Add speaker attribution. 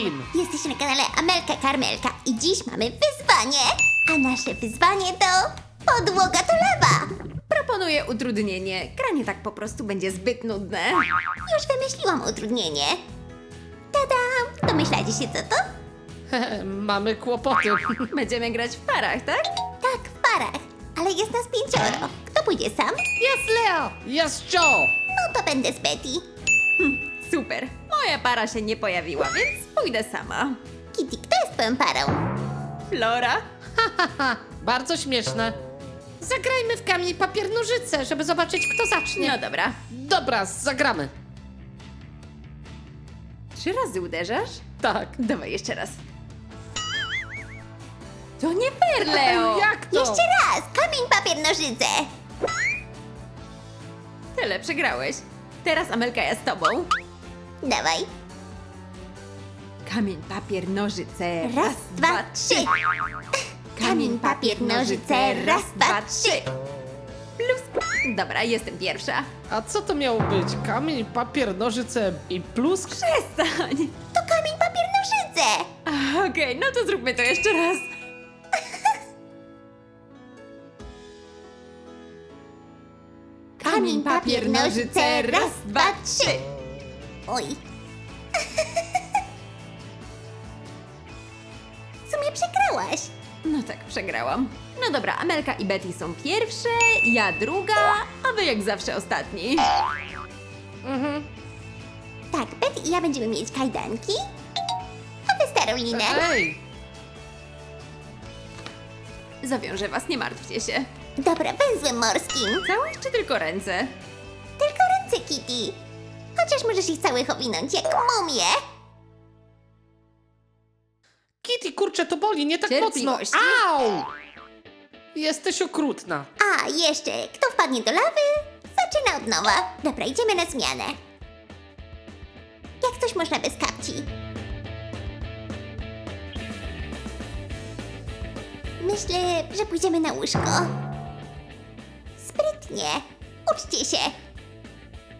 Speaker 1: Kim?
Speaker 2: Jesteś na kanale Amelka Karmelka i dziś mamy wyzwanie. A nasze wyzwanie to podłoga to lawa.
Speaker 3: Proponuję utrudnienie. Granie tak po prostu będzie zbyt nudne.
Speaker 2: Już wymyśliłam utrudnienie. Tada! Domyślacie się co to?
Speaker 1: Mamy kłopoty.
Speaker 3: Będziemy grać w parach, tak?
Speaker 2: Tak, w parach. Ale jest nas 5. Kto pójdzie sam?
Speaker 1: Jest Leo! Jest Joe!
Speaker 2: No to będę z Betty.
Speaker 3: Super. Moja para się nie pojawiła, więc pójdę sama.
Speaker 2: Kitty, kto jest twoją parą?
Speaker 3: Flora?
Speaker 1: Haha, bardzo śmieszne. Zagrajmy w kamień, papier, nożyce, żeby zobaczyć, kto zacznie.
Speaker 3: No dobra.
Speaker 1: Dobra, zagramy.
Speaker 3: 3 razy uderzasz?
Speaker 1: Tak.
Speaker 3: Dawaj jeszcze raz. To nie fair, Leo!
Speaker 1: Jak to?
Speaker 2: Jeszcze raz! Kamień, papier, nożyce!
Speaker 3: Tyle, przegrałeś. Teraz Amelka, ja z tobą.
Speaker 2: Dawaj.
Speaker 3: Kamień, papier, nożyce.
Speaker 2: Raz, dwa, trzy. Kamień, papier, nożyce. Raz, dwa, trzy.
Speaker 3: Plus. Dobra, jestem pierwsza.
Speaker 1: A co to miało być? Kamień, papier, nożyce i plusk?
Speaker 3: Przestań.
Speaker 2: To kamień, papier, nożyce!
Speaker 3: Okej, no to zróbmy to jeszcze raz.
Speaker 2: Kamień, papier, nożyce. Raz, dwa, trzy. Oj. W sumie przegrałaś.
Speaker 3: No tak, przegrałam. No dobra, Amelka i Betty są pierwsze, ja druga, a wy jak zawsze ostatni.
Speaker 2: Tak, Betty i ja będziemy mieć kajdanki, a wy starą linę.
Speaker 1: Ej!
Speaker 3: Zawiążę was, nie martwcie się.
Speaker 2: Dobra, węzłem morskim.
Speaker 3: Całe czy tylko ręce?
Speaker 2: Tylko ręce, Kitty. Chociaż możesz ich całych owinąć jak mumię.
Speaker 1: Kitty, kurczę, to boli, nie tak mocno.
Speaker 3: Cierpliwości.
Speaker 1: Au! Jesteś okrutna.
Speaker 2: A, jeszcze, kto wpadnie do lawy, zaczyna od nowa. Dobra, idziemy na zmianę. Jak coś można bez kapci. Myślę, że pójdziemy na łóżko. Sprytnie. Uczcie się.